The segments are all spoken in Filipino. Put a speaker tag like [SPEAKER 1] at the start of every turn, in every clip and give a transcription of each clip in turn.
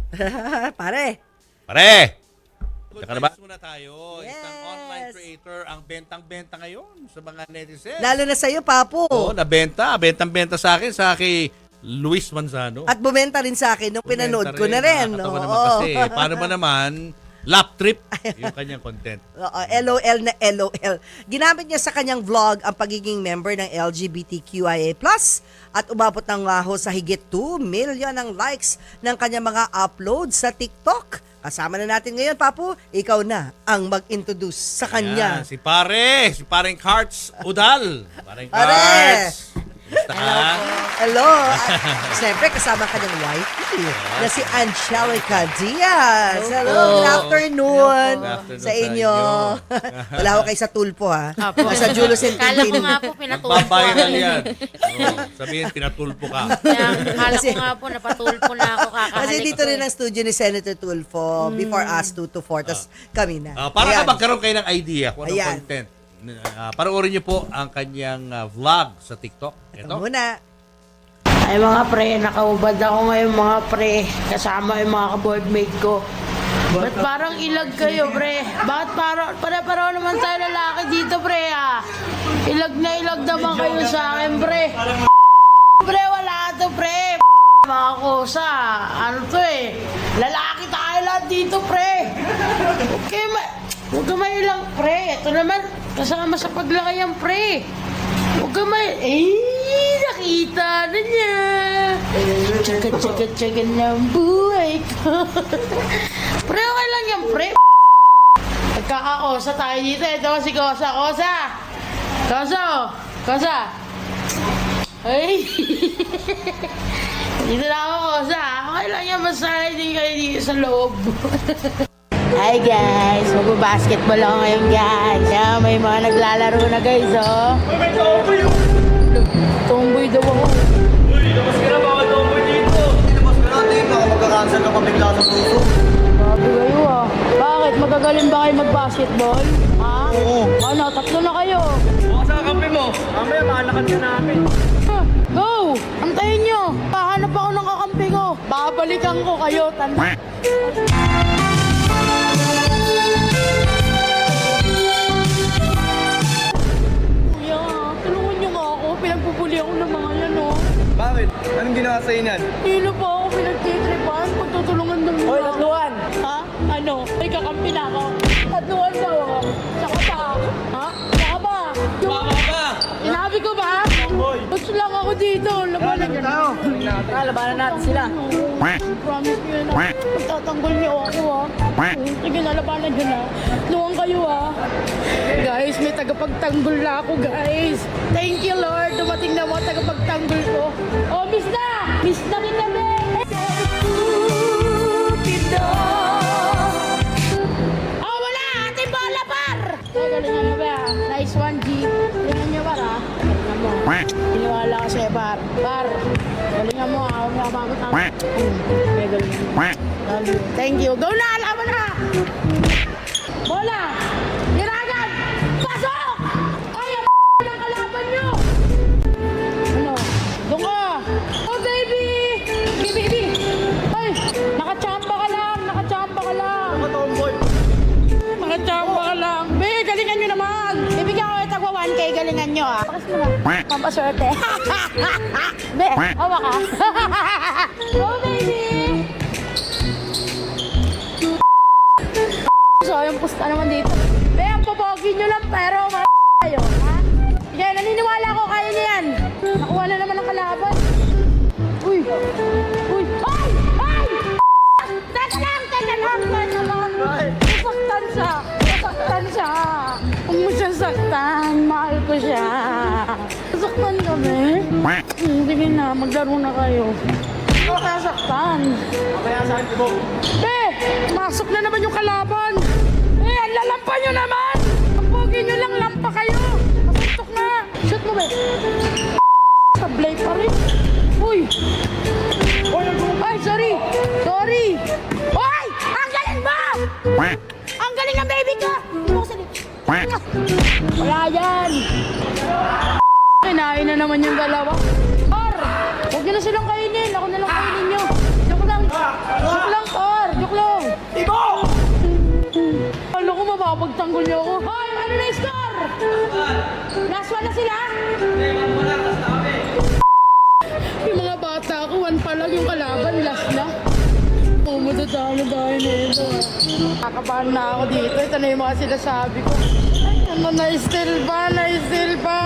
[SPEAKER 1] Pare.
[SPEAKER 2] Good
[SPEAKER 3] Saka na ba?
[SPEAKER 2] vibes muna tayo.
[SPEAKER 1] Yes.
[SPEAKER 2] Isang online creator ang bentang-benta ngayon sa mga netizens.
[SPEAKER 1] Lalo na sa'yo, Papo.
[SPEAKER 2] Oo, nabenta. Bentang-benta sa akin, sa kay Luis Manzano.
[SPEAKER 1] At bumenta rin sa akin nung pinanood ko na rin.
[SPEAKER 2] Nakakatawa naman kasi. Paano ba naman, lap trip yung kanyang content.
[SPEAKER 1] LOL na LOL. Ginamit niya sa kanyang vlog ang pagiging member ng LGBTQIA+, at umabot ng sa higit 2 million ang likes ng kanyang mga uploads sa TikTok. Kasama na natin ngayon, Papu. Ikaw na ang mag-introduce sa kanya.
[SPEAKER 2] Ayan, si Paring Karts Udal. Paring
[SPEAKER 1] Pare!
[SPEAKER 2] Karts. Kumusta ka?
[SPEAKER 1] Hello. Siyempre, kasama ka ng wife na si Angelica Diaz. Hello. Good afternoon,
[SPEAKER 2] Good afternoon
[SPEAKER 1] sa inyo. Wala ko kayo sa tulpo, ha?
[SPEAKER 4] Apo.
[SPEAKER 1] Sa Julo
[SPEAKER 4] Kala ko
[SPEAKER 1] Sentintin.
[SPEAKER 4] nga po pinatulpo
[SPEAKER 2] Magbabiral
[SPEAKER 4] ako.
[SPEAKER 2] yan. Oo, sabihin, pinatulpo ka.
[SPEAKER 4] Kala ko nga po napatulpo na ako kakahalik
[SPEAKER 1] Kasi dito
[SPEAKER 4] ko
[SPEAKER 1] rin ang studio ni Senator Tulfo. Before us, 2 to 4. Tapos kami na.
[SPEAKER 2] Para
[SPEAKER 1] Ayan.
[SPEAKER 2] ka magkaroon kayo ng idea kung anong
[SPEAKER 1] Ayan.
[SPEAKER 2] content. Panoorin niyo po ang kanyang vlog sa TikTok.
[SPEAKER 1] Ito
[SPEAKER 2] Ito.
[SPEAKER 1] muna.
[SPEAKER 5] Ay mga pre, nakaubad ako ngayon mga pre. Kasama yung mga ka-boardmate ko. Ba't parang ilag kayo, pre? Bakit para naman tayo lalaki dito, pre, ah? Ilag na ilag naman kayo sa akin, pre. Pre, wala to, pre. Mga kosa, ano to eh? Lalaki tayo lahat dito, pre. Huwag ka may ilang, pre. Ito naman, kasama sa paglaki yan, pre. Huwag ka may... nakita na niya. Tsaka ng buhay ko. Pre, okay lang yan, pre. Nagkakakosa tayo dito. Ito si Kosa. Kosa. Ay. Dito na ako, Kosa. Okay lang yan. Basta hindi kayo dito sa loob. Hi guys, magbabasketball ako ngayon guys. May mga naglalaro na guys, oh. Tomboy daw ako.
[SPEAKER 6] Uy, labas ka na, bawal tomboy dito. Labas ka natin, baka magka-cancel ka pabigla sa puso.
[SPEAKER 5] Grabe kayo ah. Bakit? Magagaling ba kayo mag-basketball? Ha?
[SPEAKER 6] Oo.
[SPEAKER 5] Ano, 3 na kayo.
[SPEAKER 6] Baka sa kampi mo. Mamaya, maanakan ka namin.
[SPEAKER 5] Go! Antayin nyo. Pahanap ako ng kakampi ko. Babalikan ko kayo. Tanda. Kuya, tulungan nyo nga ako. Pinagpupuli ako ng mga yan, oh.
[SPEAKER 6] Bakit? Anong ginawa sa inan?
[SPEAKER 5] Hindi pa ako pinagtitripan. Pagtutulungan ng mga.
[SPEAKER 6] Hoy, tatluhan!
[SPEAKER 5] Ha? Ano? May kakampi na ako. Tatluhan daw ako. Saka pa. Ha? Saka ba?
[SPEAKER 6] Baka ka!
[SPEAKER 5] Inabi ko ba?
[SPEAKER 6] Tomboy!
[SPEAKER 5] Gusto lang ako dito. Labanan nyo
[SPEAKER 6] tao.
[SPEAKER 5] Labanan natin sila. Promise nyo na. Pagtatanggol niyo ako, ha. Sige na, labanan nyo na. Luwang kayo, ha. Guys, may tagapagtanggol na ako, guys. Thank you, Lord. Dumating na mo tagapagtanggol ko. Oh, miss na! Miss na kita, be! Oh, wala! Ating bola, par! Galingan mo, be, ha. Nice one, G. Galingan nyo, par, ha. Galingan mo. Iniwala ka sa'yo, par. Par, galingan mo, ha. Huwag mo kapamot, ha. Okay, galingan mo. Love you. Thank you. Go na! Laban na! Bola! Giragan! Pasok! Ay, ang ng kalaban nyo! Ano? Doon ka! Oh, baby! Baby! Ay! Nakachamba ka lang! Nakachamba ka lang!
[SPEAKER 6] Mga tomboy!
[SPEAKER 5] Nakachamba ka lang! Be, galingan nyo naman! Ibigyan ko yung tagwa 1K, galingan nyo, ah! Pakas mo na. Pampaswerte. Be, awa ka. Oh, baby! So, yung pusta naman dito. Be, ang papogi nyo lang, pero kayo, ha? Sige, naniniwala ko kaya niya yan. Nakuha na naman ang kalaban. Uy! Uy! Ay! Ay! Teka lang naman. Nasaktan siya. Huwag mo siyang saktan. Mahal ko siya. Nasaktan kami. Sige na, maglaro na kayo. Huwag ka nasaktan.
[SPEAKER 6] Kaya saan ko?
[SPEAKER 5] Be! Masok na naman yung kalaban! Eh, ang lalampa nyo naman! Ang pogi nyo lang, lampa kayo! Masuntok na! Shoot mo, be! Sablay pa rin! Uy! Ay, sorry! Uy! Ang galing mo! Ang galing ng baby ko! Hindi mo kasi... Wala yan! Kinain na naman yung dalawa. Huwag nyo na silang kainin! Ako na lang kainin nyo! Joke lang! Joke lang! pala sila? Yung mga bata ko, 1 pa lang yung kalaban, last na. Oh, matatalo dahil nito. Kakabahan na ako dito. Ito na yung mga sinasabi ko. Ay, ano, na-steal pa.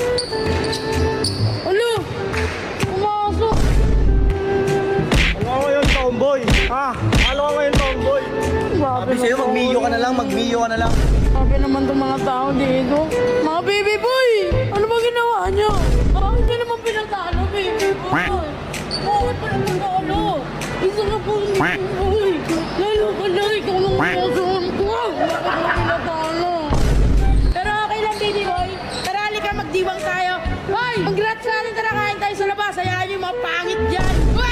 [SPEAKER 5] Ulo! Pumasok!
[SPEAKER 6] Ano ka ngayon, tomboy? Ha? Ano ka ngayon, tomboy? Sabi sa'yo, mag-mio ka na lang.
[SPEAKER 5] Sabi naman itong mga tao dito. Mga baby boy! Ano ba ginawa nyo? Bakit nyo naman pinatalo, baby boy? Bakit pa naman talo? Isa na po yung baby boy. Lalo ka na, ikaw nang kasuhan ko. Bakit mo pinatalo? Pero okay lang, baby boy. Tara, halika, magdiwang tayo. Hoy! Congrats natin, tara, kain tayo sa labas. Hayaan nyo yung mga pangit dyan.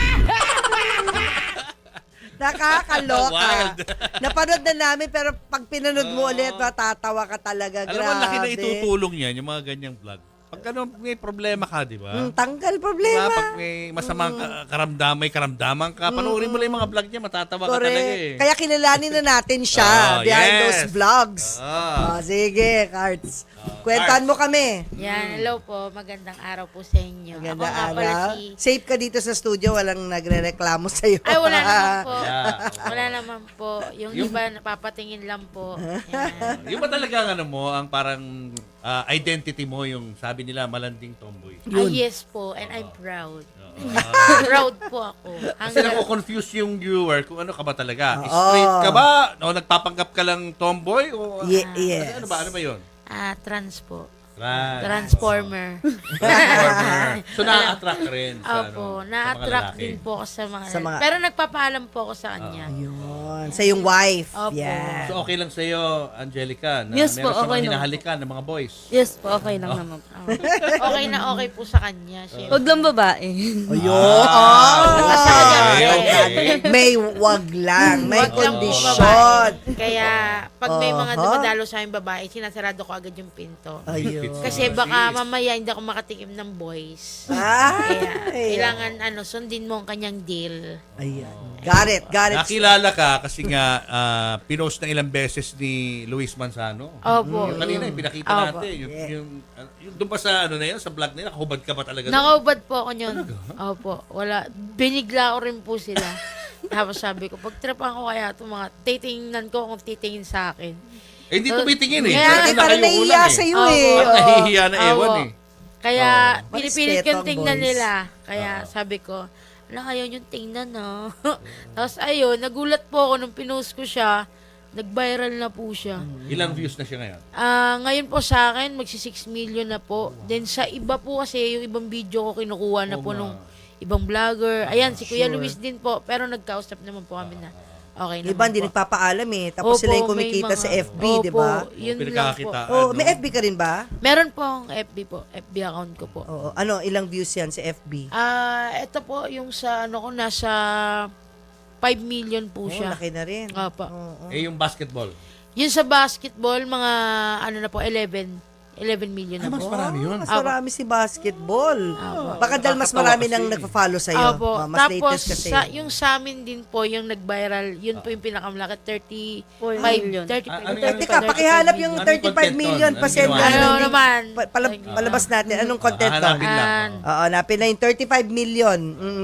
[SPEAKER 1] Nakakaloka.
[SPEAKER 2] Wild.
[SPEAKER 1] Napanood na namin pero pag pinanood mo ulit, matatawa ka talaga.
[SPEAKER 2] Alam mo, laki na
[SPEAKER 1] Grabe.
[SPEAKER 2] itutulong yan, yung mga ganyang vlog. Pag may problema ka, di ba?
[SPEAKER 1] Tanggal
[SPEAKER 2] Diba?
[SPEAKER 1] problema.
[SPEAKER 2] Pag may masamang karamdaman ka, panoorin mo lang yung mga vlog niya, matatawa ka talaga
[SPEAKER 1] Correct.
[SPEAKER 2] eh.
[SPEAKER 1] Kaya kilalanin na natin siya
[SPEAKER 2] Oh,
[SPEAKER 1] behind
[SPEAKER 2] yes.
[SPEAKER 1] those vlogs.
[SPEAKER 2] Ah.
[SPEAKER 1] Sige, Cards. Kwentuhan mo kami.
[SPEAKER 4] Yan, hello po. Magandang araw po sa inyo.
[SPEAKER 1] Maganda
[SPEAKER 4] Ako nga pala
[SPEAKER 1] araw.
[SPEAKER 4] si...
[SPEAKER 1] Safe ka dito sa studio, walang nagre-reklamo sa'yo.
[SPEAKER 4] Ay, wala naman po.
[SPEAKER 2] Yeah.
[SPEAKER 4] Wala naman po. Yung iba, napapatingin lang po. Yan.
[SPEAKER 2] Yung ba talaga ang ang parang identity mo, yung sabi nila, malanding tomboy.
[SPEAKER 4] Yes po, and I'm proud.
[SPEAKER 2] Ah.
[SPEAKER 4] Proud po ako.
[SPEAKER 2] Kasi nako-confuse yung viewer kung ano ka ba talaga.
[SPEAKER 1] Oo.
[SPEAKER 2] Straight ka ba? O nagpapanggap ka lang tomboy? O,
[SPEAKER 1] Yes.
[SPEAKER 2] Ano ba yun?
[SPEAKER 4] Trans po.
[SPEAKER 2] Right.
[SPEAKER 4] Transformer.
[SPEAKER 2] Transformer. So, na-attract ka rin sa,
[SPEAKER 4] Opo,
[SPEAKER 2] sa mga
[SPEAKER 4] na-attract
[SPEAKER 2] lalaki.
[SPEAKER 4] din po ako sa mga...
[SPEAKER 1] Sa mga-
[SPEAKER 4] Pero nagpapaalam po ako sa kanya.
[SPEAKER 1] Yun. Sa yung wife.
[SPEAKER 4] Opo.
[SPEAKER 1] Yan.
[SPEAKER 2] So, okay lang sa'yo, Angelica, na
[SPEAKER 3] Yes po,
[SPEAKER 2] meron siyang
[SPEAKER 3] okay
[SPEAKER 2] mga
[SPEAKER 3] lang.
[SPEAKER 2] hinahalikan ng mga boys.
[SPEAKER 3] Yes po, okay lang naman po.
[SPEAKER 4] Okay na okay po sa kanya. Siyempre.
[SPEAKER 3] Huwag lang babae.
[SPEAKER 1] Ayun.
[SPEAKER 2] Okay.
[SPEAKER 1] May wag lang. May
[SPEAKER 4] Wag lang po
[SPEAKER 1] kondisyon.
[SPEAKER 4] babae. Kaya pag may mga
[SPEAKER 1] Aha.
[SPEAKER 4] dumadalo sa aking babae, sinasarado ko agad yung pinto.
[SPEAKER 1] Ayun.
[SPEAKER 4] Kasi baka mamaya hindi ako makatikim ng boys.
[SPEAKER 1] Ay.
[SPEAKER 4] Kaya kailangan sundin mo ang kanyang deal.
[SPEAKER 1] Ayan. Got it.
[SPEAKER 2] Nakilala ka kasi nga pinost ng ilang beses ni Luis Manzano.
[SPEAKER 4] Opo.
[SPEAKER 2] Yung kanina, yung pinakita
[SPEAKER 4] Opo.
[SPEAKER 2] natin. Yung doon pa sa na yun, sa vlog na yun, nakahubad ka ba talaga doon?
[SPEAKER 4] Nakaubad po ako yun. Opo. Wala. Binigla ko rin po sila. Tapos sabi ko, pagtripan ko kaya itong mga titingnan ko kung titingin sa akin.
[SPEAKER 2] Eh, hindi tumitingin eh.
[SPEAKER 4] Kaya-
[SPEAKER 2] Kasi
[SPEAKER 1] Hindi, parang
[SPEAKER 2] kayo
[SPEAKER 1] nahiya
[SPEAKER 2] ulang
[SPEAKER 1] sa'yo
[SPEAKER 4] Opo.
[SPEAKER 1] eh.
[SPEAKER 2] Parang nahihiya na ewan
[SPEAKER 4] Opo.
[SPEAKER 2] eh.
[SPEAKER 4] Kaya
[SPEAKER 1] Oh,
[SPEAKER 4] pinipilit
[SPEAKER 1] respeto
[SPEAKER 4] kong
[SPEAKER 1] ang
[SPEAKER 4] tingnan
[SPEAKER 1] boys.
[SPEAKER 4] nila. Kaya sabi ko, ayaw yung tingnan no. Tapos ayun, nagulat po ako nung pinost ko siya. Nag-viral na po siya.
[SPEAKER 2] Ilang views na siya ngayon?
[SPEAKER 4] Ngayon po sa akin, magsi 6 million na po. Then sa iba po kasi, yung ibang video ko kinukuha na po nung ibang vlogger. Ayan, si Kuya Luis din po. Pero nagkausap naman po kami na okay naman
[SPEAKER 1] Iba hindi
[SPEAKER 4] po.
[SPEAKER 1] nagpapaalam eh. Tapos
[SPEAKER 4] Opo,
[SPEAKER 1] sila yung
[SPEAKER 4] may
[SPEAKER 1] kumikita
[SPEAKER 4] mga-
[SPEAKER 1] sa FB, di
[SPEAKER 4] Opo,
[SPEAKER 1] ba?
[SPEAKER 4] yun lang po.
[SPEAKER 2] Pinagkakakitaan.
[SPEAKER 1] Oh, may FB ka rin ba?
[SPEAKER 4] Meron po ang FB po. FB account ko po.
[SPEAKER 1] Oo. Ano, ilang views yan sa FB?
[SPEAKER 4] Ito po yung sa ko nasa 5 million po
[SPEAKER 1] Oh,
[SPEAKER 4] siya.
[SPEAKER 1] laki na rin.
[SPEAKER 4] Opo.
[SPEAKER 1] Oo.
[SPEAKER 2] Eh, yung basketball.
[SPEAKER 4] Yung sa basketball, mga na po, 11 million na
[SPEAKER 2] Mas
[SPEAKER 4] po.
[SPEAKER 2] marami yun.
[SPEAKER 1] Mas marami si basketball. Baka dahil mas marami nang nagpa-follow sa'yo.
[SPEAKER 4] Opo.
[SPEAKER 1] Mas
[SPEAKER 4] Tapos,
[SPEAKER 1] latest kasi.
[SPEAKER 4] yung sa amin din po, yung nag-viral, yun po yung pinakamalaki, 35
[SPEAKER 3] million.
[SPEAKER 4] 35
[SPEAKER 2] Ano
[SPEAKER 4] million.
[SPEAKER 2] yan?
[SPEAKER 1] Teka, pakihanap yung
[SPEAKER 2] Anong
[SPEAKER 1] 35
[SPEAKER 2] content
[SPEAKER 1] million.
[SPEAKER 2] doon?
[SPEAKER 1] Pasend
[SPEAKER 2] Anong
[SPEAKER 1] na.
[SPEAKER 2] ginawa?
[SPEAKER 4] Ano naman?
[SPEAKER 1] Palabas natin. Anong content to?
[SPEAKER 2] Hahanapin lang.
[SPEAKER 4] An-
[SPEAKER 1] Oo, hanapin na yung 35 million.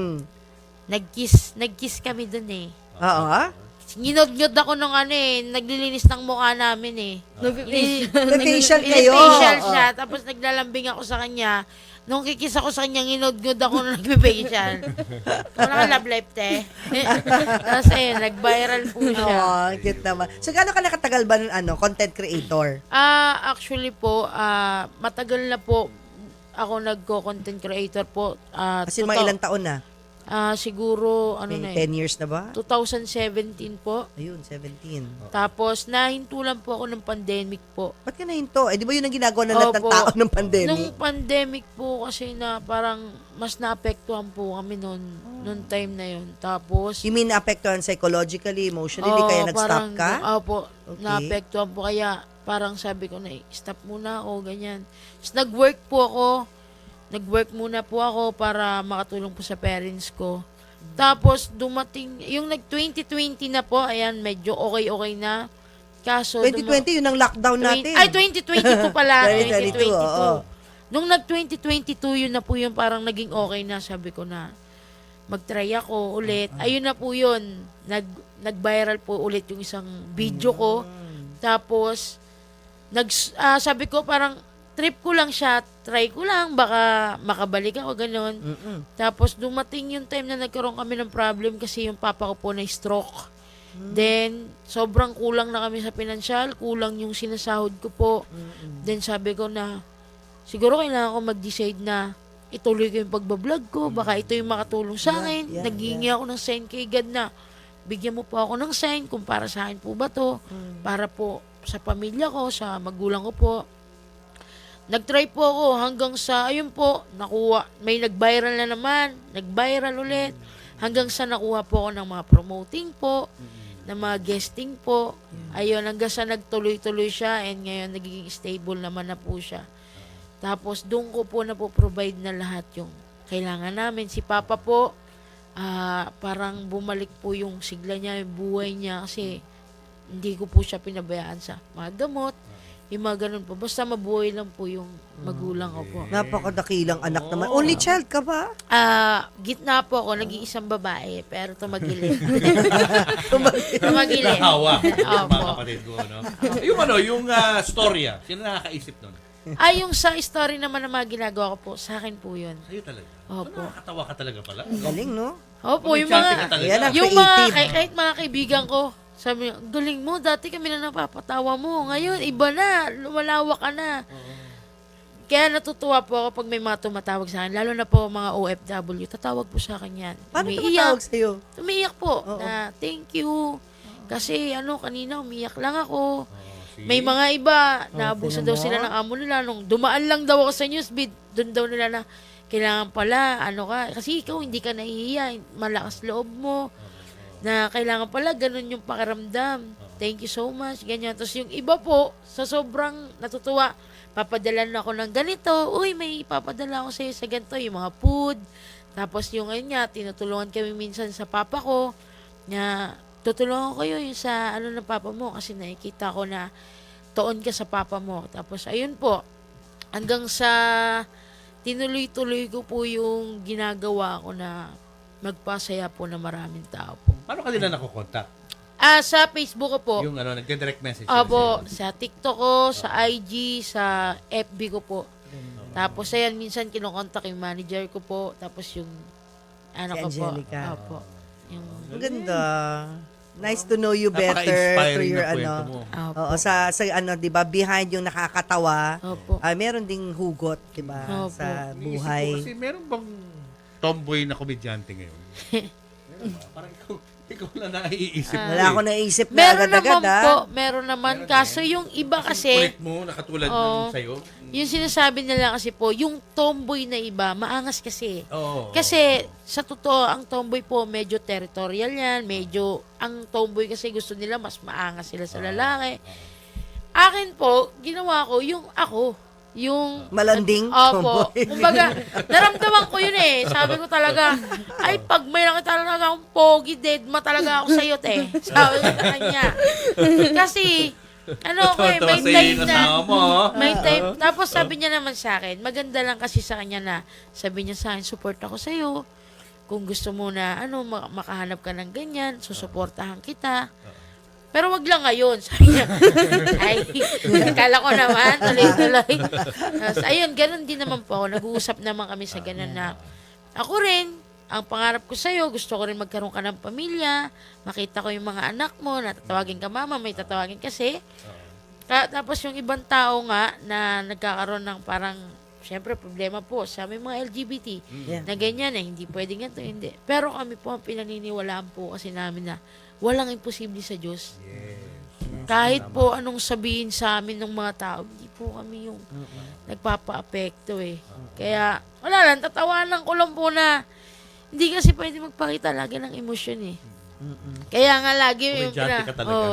[SPEAKER 4] Nag-kiss kami dun eh.
[SPEAKER 1] Oo, ha?
[SPEAKER 4] Ginod-nyod ako nung naglilinis ng mukha namin eh.
[SPEAKER 1] Facial kayo.
[SPEAKER 4] Facial
[SPEAKER 1] Oo.
[SPEAKER 4] siya, tapos naglalambing ako sa kanya. Nung kikis ako sa kanya, ginod-nyod ako nung nagpe-facial. Wala ka love life, te. Tapos nag-viral po siya.
[SPEAKER 1] Oh, cute naman. So, gaano ka nakatagal ba ng content creator?
[SPEAKER 4] Actually po, matagal na po ako nagko-content creator po.
[SPEAKER 1] Kasi mga ilang taon na?
[SPEAKER 4] Siguro,
[SPEAKER 1] May 10 years na ba?
[SPEAKER 4] 2017 po.
[SPEAKER 1] Ayun, 17.
[SPEAKER 4] Tapos, nahintulan po ako ng pandemic po.
[SPEAKER 1] Ba't ka nahinto? Eh, di ba yun ang ginagawa ng lahat ng
[SPEAKER 4] Opo.
[SPEAKER 1] tao ng pandemic?
[SPEAKER 4] Nung pandemic po kasi na parang mas naapektuhan po kami noon time na yun. Tapos,
[SPEAKER 1] You mean naapektuhan psychologically, emotionally, kaya nag-stop ka?
[SPEAKER 4] Opo,
[SPEAKER 1] Okay.
[SPEAKER 4] naapektuhan po. Kaya parang sabi ko na, stop muna ako, ganyan. Tapos nag-work po ako. Nag-work muna po ako para makatulong po sa parents ko. Tapos dumating, yung nag-2020 na po, ayan, medyo okay na. Kaso,
[SPEAKER 1] 2020, yun ang lockdown natin.
[SPEAKER 4] Ay, 2022 pala.
[SPEAKER 1] 2022, oo.
[SPEAKER 4] Nung nag-2022, yun na po yung parang naging okay na. Sabi ko na, mag-try ako ulit. Ayun na po yun. Nag-viral po ulit yung isang video ko. Tapos, sabi ko parang, trip ko lang siya, try ko lang, baka makabalik ako, ganun. Tapos, dumating yung time na nagkaroon kami ng problem kasi yung papa ko po na stroke. Then, sobrang kulang na kami sa pinansyal, kulang yung sinasahod ko po. Then, sabi ko na, siguro kailangan ko mag-decide na ituloy ko yung pagbablog ko, baka ito yung makatulong sa akin. Naghihingi ako ng sign kay God na, bigyan mo po ako ng sign kung para sa akin po ba to, para po sa pamilya ko, sa magulang ko po. Nag-try po ako hanggang sa, ayun po, nakuha, may nag-viral na naman, nag-viral ulit, hanggang sa nakuha po ako ng mga promoting po, ng mga guesting po. Ayun, hanggang sa nagtuloy-tuloy siya, and ngayon nagiging stable naman na po siya. Tapos, doon ko po na po provide na lahat yung kailangan namin. Si Papa po, parang bumalik po yung sigla niya, yung buhay niya, kasi hindi ko po siya pinabayaan sa mga gamot, yung mga ganun po. Basta mabuhay lang po yung magulang ko po.
[SPEAKER 1] Napakadakilang anak naman. Only child ka ba?
[SPEAKER 4] Gitna po ako, nag-iisang babae, pero tumagilid. Tumagilid.
[SPEAKER 2] Nahawa. Mga
[SPEAKER 4] Opo.
[SPEAKER 2] kapatid ko, no? Yung storya, sino nakakaisip nun?
[SPEAKER 4] Yung sa story naman na mga ginagawa ko po, sa akin po yun.
[SPEAKER 2] Sa'yo talaga.
[SPEAKER 4] Opo.
[SPEAKER 2] Nakakatawa ka talaga pala.
[SPEAKER 1] Galing, no?
[SPEAKER 4] Opo, yung
[SPEAKER 2] Enchanting ka
[SPEAKER 4] mga,
[SPEAKER 2] talaga.
[SPEAKER 1] Yan ang
[SPEAKER 4] yung mga,
[SPEAKER 1] creative.
[SPEAKER 4] kahit mga kaibigan ko, sabi niya, galing mo, dati kami na napapatawa mo. Ngayon, iba na, lumalawak ka na. Kaya natutuwa po ako pag may mga tumatawag sa akin, lalo na po mga OFW, tatawag po sa akin yan.
[SPEAKER 1] Paano
[SPEAKER 4] Umiiyak.
[SPEAKER 1] tumatawag sa'yo?
[SPEAKER 4] Umiiyak po, na thank you. Kasi kanina umiyak lang ako. May mga iba, naabuso daw sila ng amo nila. Nung dumaan lang daw ako sa newsfeed, doon daw nila na, kailangan pala, kasi ikaw hindi ka nahihiya, malakas loob mo, na kailangan pala, ganun yung pakiramdam. Thank you so much, ganyan. Tapos yung iba po, sa sobrang natutuwa, papadala na ako ng ganito, uy, may papadala ako sa'yo sa ganito, yung mga food. Tapos yung tinutulungan kami minsan sa papa ko, na tutulungan ko kayo yung sa ng papa mo kasi nakikita ko na toon ka sa papa mo. Tapos ayun po, hanggang sa tinuloy-tuloy ko po yung ginagawa ko na magpasaya po ng maraming tao po.
[SPEAKER 2] Paano ka nila nakukontak?
[SPEAKER 4] Sa Facebook ko po.
[SPEAKER 2] Yung nagde-direct message. sila
[SPEAKER 4] Opo,
[SPEAKER 2] sa'yo.
[SPEAKER 4] sa TikTok ko, sa IG, sa FB ko po. Tapos ayan, minsan kinokontak yung manager ko po. Tapos yung ko po.
[SPEAKER 1] Angelica.
[SPEAKER 4] Opo. Yung,
[SPEAKER 1] Ang ganda. Nice to know you better
[SPEAKER 2] Napaka-inspiring
[SPEAKER 1] through your
[SPEAKER 2] na kwento mo.
[SPEAKER 4] opo.
[SPEAKER 1] Oo, sa 'di ba, behind yung nakakatawa,
[SPEAKER 4] Opo.
[SPEAKER 1] meron ding hugot, 'di ba,
[SPEAKER 4] Opo.
[SPEAKER 1] sa
[SPEAKER 2] Iniisip ko
[SPEAKER 1] buhay.
[SPEAKER 2] Kasi meron bang tomboy na komedyante ngayon? Meron ba? Parang ikaw na naiisip mo.
[SPEAKER 1] Wala akong naisip na
[SPEAKER 4] Meron
[SPEAKER 1] agad-agad,
[SPEAKER 4] naman po, meron naman. Kaso yung iba kasi,
[SPEAKER 2] Kulit mo, nakatulad
[SPEAKER 4] Oo.
[SPEAKER 2] ng sa'yo.
[SPEAKER 4] yung sinasabi nila kasi po, yung tomboy na iba, maangas kasi.
[SPEAKER 2] Oo.
[SPEAKER 4] Kasi, sa totoo, ang tomboy po, medyo territorial yan. Ang tomboy kasi gusto nila, mas maangas sila sa lalaki. Akin po, ginawa ko, yung ako. Yung
[SPEAKER 1] Malanding
[SPEAKER 4] Opo.
[SPEAKER 1] tomboy.
[SPEAKER 4] Kumbaga, naramdaman ko yun eh. Sabi ko talaga, ay pag may nakita talaga akong pogi, dead ma talaga ako sa'yo, te. Sabi ko sa kanya. Kasi, may time na, may time. Tapos sabi niya naman sa akin, maganda lang kasi sa kanya na, sabi niya sa akin, support ako sa'yo. Kung gusto mo na, makahanap ka ng ganyan, susuportahan kita. Pero wag lang ngayon, sabi niya. Ay, kala ko naman, tuloy-tuloy. Ayun, ganun din naman po ako. Nag-uusap naman kami sa ganun na, ako rin, ang pangarap ko sa'yo, gusto ko rin magkaroon ka ng pamilya, makita ko yung mga anak mo, natatawagin ka mama, may tatawagin kasi. Tapos yung ibang tao nga, na nagkakaroon ng parang, syempre problema po sa may mga LGBT,
[SPEAKER 1] Yeah.
[SPEAKER 4] na ganyan hindi pwede ganito, hindi. Pero kami po, ang pinaniniwalaan po kasi namin na, walang imposible sa Diyos. Kahit po anong sabihin sa amin ng mga tao, hindi po kami yung nagpapa-apekto eh. Kaya, wala lang, tatawanan ko lang po na hindi kasi pwede magpakita lagi ng emosyon eh. Kaya nga lagi yung
[SPEAKER 2] Komedyante ka talaga.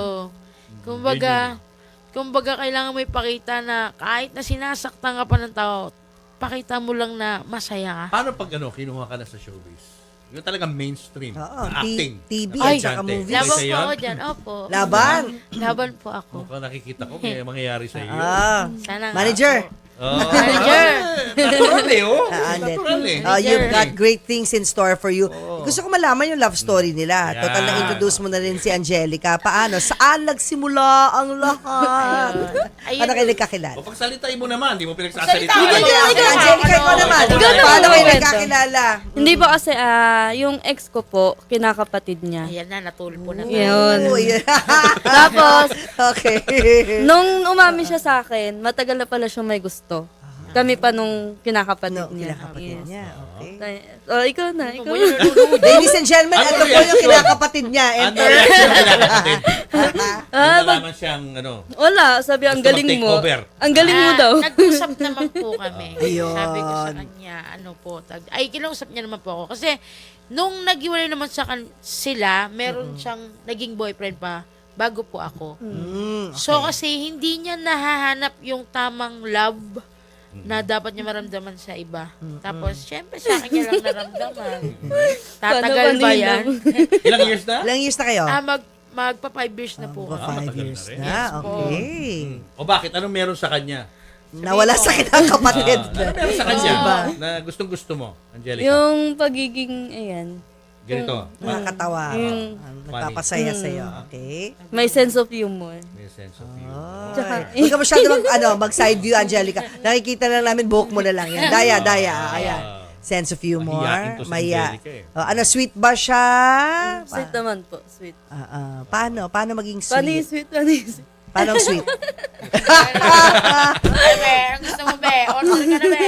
[SPEAKER 4] kumbaga kailangan mo ipakita na kahit na sinasaktan ka pa ng tao, pakita mo lang na masaya ka.
[SPEAKER 2] Paano pag kinuha ka na sa showbiz? Yung talagang mainstream.
[SPEAKER 1] Oo,
[SPEAKER 2] na acting.
[SPEAKER 1] TV
[SPEAKER 2] na
[SPEAKER 1] at saka
[SPEAKER 2] komedyante.
[SPEAKER 1] movies.
[SPEAKER 4] Laban
[SPEAKER 2] Isa
[SPEAKER 4] po
[SPEAKER 2] yun?
[SPEAKER 4] ako dyan, opo.
[SPEAKER 1] Laban?
[SPEAKER 4] Laban po ako.
[SPEAKER 2] Mukhang nakikita ko, may mangyayari sa iyo.
[SPEAKER 1] Ah.
[SPEAKER 4] Sana nga
[SPEAKER 1] Manager,
[SPEAKER 4] po. Manager.
[SPEAKER 2] Natural eh, oh.
[SPEAKER 1] Andet.
[SPEAKER 2] Natural eh.
[SPEAKER 1] You've got great things in store for you. Gusto ko malaman yung love story nila.
[SPEAKER 2] Yan.
[SPEAKER 1] Total na-introduce mo na rin si Angelica. Paano? Saan nagsimula ang lahat?
[SPEAKER 4] Ayun.
[SPEAKER 1] Paano kayo nagkakilala?
[SPEAKER 2] O pagsalitain mo naman, di mo pinagsasalita.
[SPEAKER 4] Salita mo.
[SPEAKER 1] Angelica, ikaw naman.
[SPEAKER 3] Ikaw naman,
[SPEAKER 1] Paano kayo
[SPEAKER 3] kwento.
[SPEAKER 1] nagkakilala?
[SPEAKER 3] Hindi po kasi yung ex ko po, kinakapatid niya.
[SPEAKER 4] Ayan na, natulpo na.
[SPEAKER 3] Yun.
[SPEAKER 1] Oh, yeah.
[SPEAKER 3] Tapos,
[SPEAKER 1] Okay.
[SPEAKER 3] nung umamin siya sa akin, matagal na pala siyang may gusto. Kami pa nung kinakapatid
[SPEAKER 1] No,
[SPEAKER 3] niya.
[SPEAKER 1] kinakapatid niya. Okay.
[SPEAKER 3] Oh, ikaw na, ikaw
[SPEAKER 4] Mo
[SPEAKER 3] na.
[SPEAKER 4] yun, nalulunod.
[SPEAKER 1] Ladies and gentlemen, ito po yung
[SPEAKER 2] reaction?
[SPEAKER 1] kinakapatid niya.
[SPEAKER 2] Ano
[SPEAKER 1] Enter.
[SPEAKER 2] reaction nila kapatid?
[SPEAKER 3] Ah,
[SPEAKER 2] Yung nalaman siyang, ano,
[SPEAKER 3] Wala, sabi ang
[SPEAKER 2] Gusto
[SPEAKER 3] galing mo.
[SPEAKER 2] mag-takeover.
[SPEAKER 3] Ang galing mo daw.
[SPEAKER 4] Nag-usap naman po kami.
[SPEAKER 1] Ayun.
[SPEAKER 4] Sabi ko sa kanya, kinausap niya naman po ako. Kasi, nung naghiwalay naman sila, meron siyang naging boyfriend pa bago po ako.
[SPEAKER 1] Mm,
[SPEAKER 4] So, kasi hindi niya nahahanap yung tamang love na dapat niya maramdaman sa iba. Tapos, syempre, sa akin niya lang naramdaman. Tatagal
[SPEAKER 3] Paano
[SPEAKER 4] ba
[SPEAKER 3] kanina?
[SPEAKER 4] yan?
[SPEAKER 2] ilang years na?
[SPEAKER 1] Ilang years na kayo?
[SPEAKER 4] Magpa 5 years na po.
[SPEAKER 1] Magpa
[SPEAKER 2] Ah,
[SPEAKER 1] 5
[SPEAKER 2] matagal
[SPEAKER 1] years
[SPEAKER 2] na rin.
[SPEAKER 1] na. Okay.
[SPEAKER 2] O bakit? Anong meron sa kanya?
[SPEAKER 1] Nawala sa kinakapatid.
[SPEAKER 2] Ano meron sa kanya
[SPEAKER 1] Diba?
[SPEAKER 2] na gustong-gusto mo, Angelica?
[SPEAKER 3] Yung pagiging, ayan,
[SPEAKER 2] Ganito.
[SPEAKER 1] Nakakatawa.
[SPEAKER 3] Yung-
[SPEAKER 1] Nagpapasaya sa'yo. Okay?
[SPEAKER 3] may sense of humor.
[SPEAKER 2] May sense of humor.
[SPEAKER 3] Tsaka,
[SPEAKER 1] Huwag ka masyado mag-side view, Angelica. Nakikita lang namin, buhok mo na lang yan. Daya. Ayan. Sense of humor.
[SPEAKER 2] Mahiyain to si
[SPEAKER 1] Maya.
[SPEAKER 2] Angelica eh.
[SPEAKER 1] Ano, sweet ba siya?
[SPEAKER 3] sweet naman po, sweet.
[SPEAKER 1] Paano? Paano maging
[SPEAKER 3] Paano yung
[SPEAKER 1] sweet?
[SPEAKER 3] sweet? Paano yung sweet?
[SPEAKER 1] Paano sweet?
[SPEAKER 4] Ay, be, ang gusto mo, be? Order ka na, be.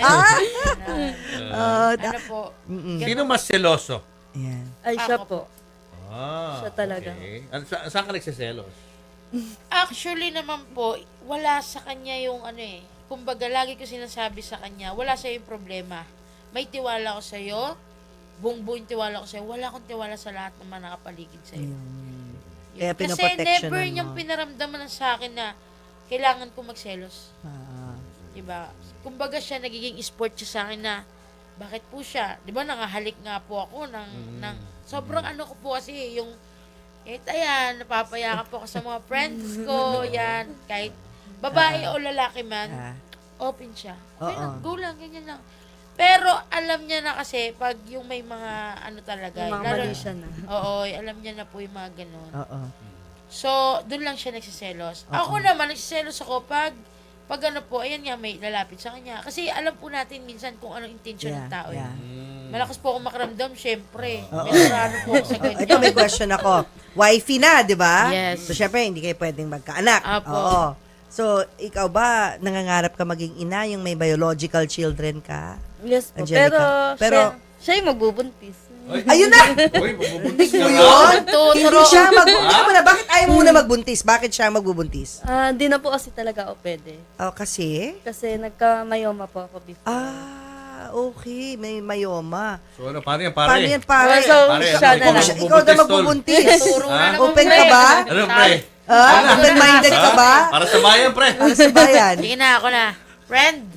[SPEAKER 4] Ano po?
[SPEAKER 2] Sino mas seloso?
[SPEAKER 1] Ayan.
[SPEAKER 3] Ay, siya
[SPEAKER 4] Ako
[SPEAKER 3] po.
[SPEAKER 2] Ah,
[SPEAKER 3] Siya talaga.
[SPEAKER 2] Okay. Saan ka nagsiselos?
[SPEAKER 4] Actually naman po, wala sa kanya yung ano eh. Kumbaga, lagi ko sinasabi sa kanya, wala sa'yo yung problema. May tiwala ko sa'yo, buong tiwala ko sa'yo, wala akong tiwala sa lahat ng mga nakapaligid sa'yo. Yun.
[SPEAKER 1] Kaya
[SPEAKER 4] Kasi
[SPEAKER 1] pinoprotectionan
[SPEAKER 4] never
[SPEAKER 1] mo.
[SPEAKER 4] niyang pinaramdaman sa akin na kailangan ko magselos.
[SPEAKER 1] Ah.
[SPEAKER 4] Diba? Kumbaga siya, nagiging sport siya sa akin na, bakit po siya? Diba, nangahalik nga po ako ng sobrang ano ko po kasi, yung, ayan, napapayakap po ako sa mga friends ko, yan, kahit babae o lalaki man, open siya. Okay lang, go lang, ganyan lang. Pero alam niya na kasi, pag yung may mga ano talaga,
[SPEAKER 3] Yung mga
[SPEAKER 4] lalo-
[SPEAKER 3] mali siya na.
[SPEAKER 4] Oo, alam niya na po yung mga ganun.
[SPEAKER 1] Oo.
[SPEAKER 4] So, doon lang siya nagsiselos. Ako naman, nagsiselos ako pag ano po, ayan nga, may lalapit sa kanya. Kasi alam po natin minsan kung anong intention ng tao.
[SPEAKER 1] Yeah.
[SPEAKER 4] Malakas po ako makaramdam, syempre. May narano po ako sa ganyan.
[SPEAKER 1] Ito may question ako. Wifey na, di ba?
[SPEAKER 4] Yes.
[SPEAKER 1] So, syempre, hindi kayo pwedeng magkaanak.
[SPEAKER 4] Apo.
[SPEAKER 1] Oo. So, ikaw ba, nangangarap ka maging ina, yung may biological children ka?
[SPEAKER 3] Yes po.
[SPEAKER 1] Angelica. Pero-
[SPEAKER 3] siya yung magbubuntis.
[SPEAKER 1] Ayun na!
[SPEAKER 2] Uy, bubuntis ka
[SPEAKER 1] Mo
[SPEAKER 2] na.
[SPEAKER 1] yun?
[SPEAKER 4] Tuturo.
[SPEAKER 1] Hindi siya bakit ayaw mo muna magbuntis? Bakit siya magbubuntis?
[SPEAKER 3] Di na po kasi talaga ako pwede.
[SPEAKER 1] Oh, kasi?
[SPEAKER 3] Kasi nagka-myoma po ako before.
[SPEAKER 1] Okay. May myoma.
[SPEAKER 2] So ano, paano yan,
[SPEAKER 1] Paano
[SPEAKER 2] pare?
[SPEAKER 1] yan, pare?
[SPEAKER 3] So,
[SPEAKER 2] Pare,
[SPEAKER 3] siya
[SPEAKER 2] ano,
[SPEAKER 3] na lang.
[SPEAKER 1] Ikaw na magbubuntis.
[SPEAKER 4] Turo na naman,
[SPEAKER 1] Open
[SPEAKER 4] pre.
[SPEAKER 1] ka ba?
[SPEAKER 2] Ano, pre?
[SPEAKER 1] Open-minded ka ba?
[SPEAKER 2] Para sa bayan, pre.
[SPEAKER 1] Para sa bayan.
[SPEAKER 4] Sige na, ako na. Friend.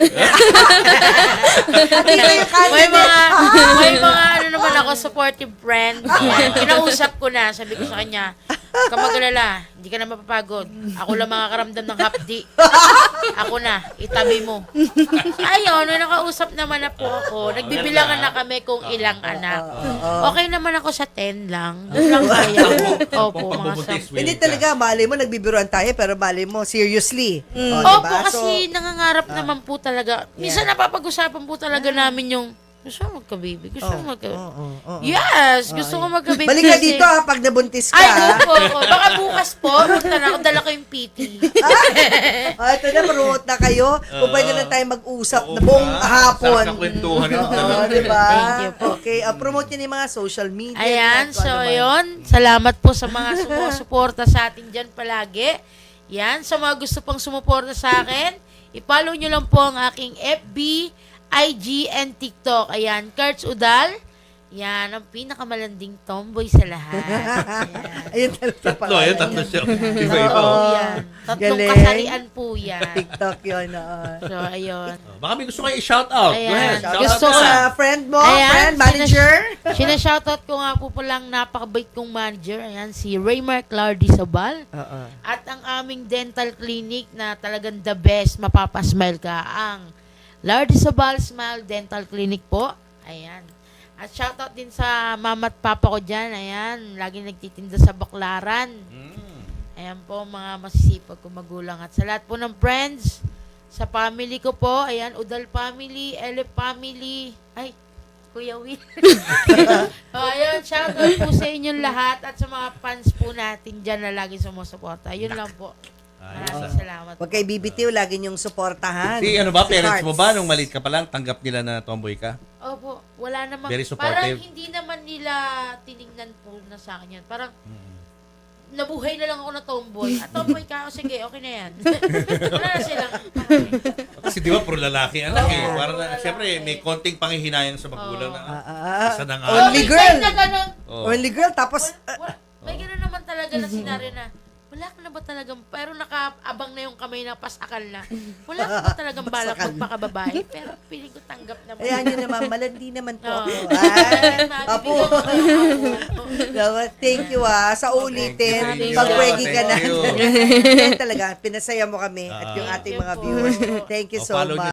[SPEAKER 1] Hindi na yung
[SPEAKER 4] May
[SPEAKER 1] candidate.
[SPEAKER 4] may mga ano naman ako, supportive friend. Yan. Kinausap ko na, sabi ko sa kanya, kamagalala, hindi ka na mapapagod. Ako lang makakaramdam ng hapdi. Ako na, itabi mo. Ayun, nung nakausap naman na po ako, nagbibilangan na kami kung ilang anak. Okay naman ako sa 10 lang. Doon lang kaya. Opo, mga
[SPEAKER 2] Pagbubuntis,
[SPEAKER 4] 10.
[SPEAKER 2] willing
[SPEAKER 1] Hindi
[SPEAKER 2] ka.
[SPEAKER 1] talaga, mali mo, nagbibiruan tayo, pero mali mo, seriously. Oh,
[SPEAKER 4] Opo,
[SPEAKER 1] diba?
[SPEAKER 4] kasi nangangarap naman po talaga. Minsan napapag-usapan po talaga namin yung, gusto mo magka-baby? Gusto mo magka-baby? Yes, gusto ko magka-baby.
[SPEAKER 1] Balik ka
[SPEAKER 4] kasi-
[SPEAKER 1] dito pag nabuntis ka.
[SPEAKER 4] Ay, opo, opo. Baka bukas po, punta na ako, dala ko yung PT.
[SPEAKER 1] Ito na, maruot na kayo. Kung pwede na tayo mag-usap na buong hapon.
[SPEAKER 2] Sarap kwentuhan ito.
[SPEAKER 1] Oo, diba?
[SPEAKER 4] Thank you po.
[SPEAKER 1] Okay, promote nyo yung mga social media.
[SPEAKER 4] Ayan,
[SPEAKER 1] kung
[SPEAKER 4] so
[SPEAKER 1] ano man.
[SPEAKER 4] yun. Salamat po sa mga sumusuporta sa atin dyan palagi. Yan, sa mga gusto pang sumuporta sa akin, i-follow nyo lang po ang aking FB, IG, and TikTok. Ayan, Kurtz Udal. Yan, ang pinakamalanding tomboy sa lahat. Ayan.
[SPEAKER 1] Ayun talaga pala.
[SPEAKER 2] Tatlo, ayun, tatlo siya. Iba-iba.
[SPEAKER 4] Oo,
[SPEAKER 2] oh.
[SPEAKER 4] yan. Tatlong
[SPEAKER 1] Galing.
[SPEAKER 4] kasarian po yan.
[SPEAKER 1] TikTok yun.
[SPEAKER 4] So, ayun.
[SPEAKER 2] Baka may gusto kayo i-shout out. Go
[SPEAKER 4] Ayan.
[SPEAKER 2] ahead. Shout
[SPEAKER 4] Gusto
[SPEAKER 2] out
[SPEAKER 4] ko-
[SPEAKER 2] ka.
[SPEAKER 1] Sa friend mo,
[SPEAKER 4] Ayan,
[SPEAKER 1] friend, manager.
[SPEAKER 4] Sinashoutout ko nga po palang napakabait kong manager. Ayan, si Raymar Clardy Sabal.
[SPEAKER 1] Oo.
[SPEAKER 4] At ang aming dental clinic na talagang the best, mapapasmile ka, ang Lardy Sabal Smile Dental Clinic po. Ayan. At shoutout din sa mama at papa ko dyan. Ayan, lagi nagtitinda sa Baklaran. Ayan po, mga masisipag kong magulang. At sa lahat po ng friends, sa family ko po, ayan, Udal family, Elef family, ay, Kuya Will. Ayun, shoutout po sa inyong lahat at sa mga fans po natin dyan na lagi sumusuporta. Yun lang po. Maraming salamat.
[SPEAKER 1] Huwag kayo bibitiw, lagi niyong suportahan.
[SPEAKER 2] Si ano ba,
[SPEAKER 1] Si
[SPEAKER 2] parents mo ba,
[SPEAKER 1] Hearts.
[SPEAKER 2] nung maliit ka pa lang, tanggap nila na tomboy ka?
[SPEAKER 4] Opo, wala namang,
[SPEAKER 2] Very supportive.
[SPEAKER 4] parang hindi naman nila tiningnan po na sa akin yan. Parang, nabuhay na lang ako na tomboy. At tomboy ka, o sige, okay na yan. Wala na silang, okay.
[SPEAKER 2] Kasi di ba, puro lalaki anak eh. Parang, siyempre, may konting panghihinayang sa magulang na, isa na nga.
[SPEAKER 1] Only
[SPEAKER 4] May
[SPEAKER 1] girl.
[SPEAKER 4] time na ganun,
[SPEAKER 2] Oh.
[SPEAKER 1] Only girl, tapos,
[SPEAKER 4] may gano'n naman talaga na senaryo na, wala ka na ba talagang, pero nakaabang na yung kamay na pasakal na. Wala ka ba talagang balak
[SPEAKER 1] Pasakal.
[SPEAKER 4] magpakababae? Pero piling ko tanggap naman.
[SPEAKER 1] ayan nyo naman, malandi naman po ako.
[SPEAKER 4] Oo.
[SPEAKER 1] Ay, apo.
[SPEAKER 4] Mabibigyan ko kayo.
[SPEAKER 1] Thank you sa ulitin.
[SPEAKER 2] Thank you.
[SPEAKER 1] Pag-pwede ka na.
[SPEAKER 2] Thank you.
[SPEAKER 1] Yan talaga, pinasaya mo kami at yung ating mga
[SPEAKER 4] Thank you po.
[SPEAKER 1] viewers. Thank you so
[SPEAKER 2] follow
[SPEAKER 1] much.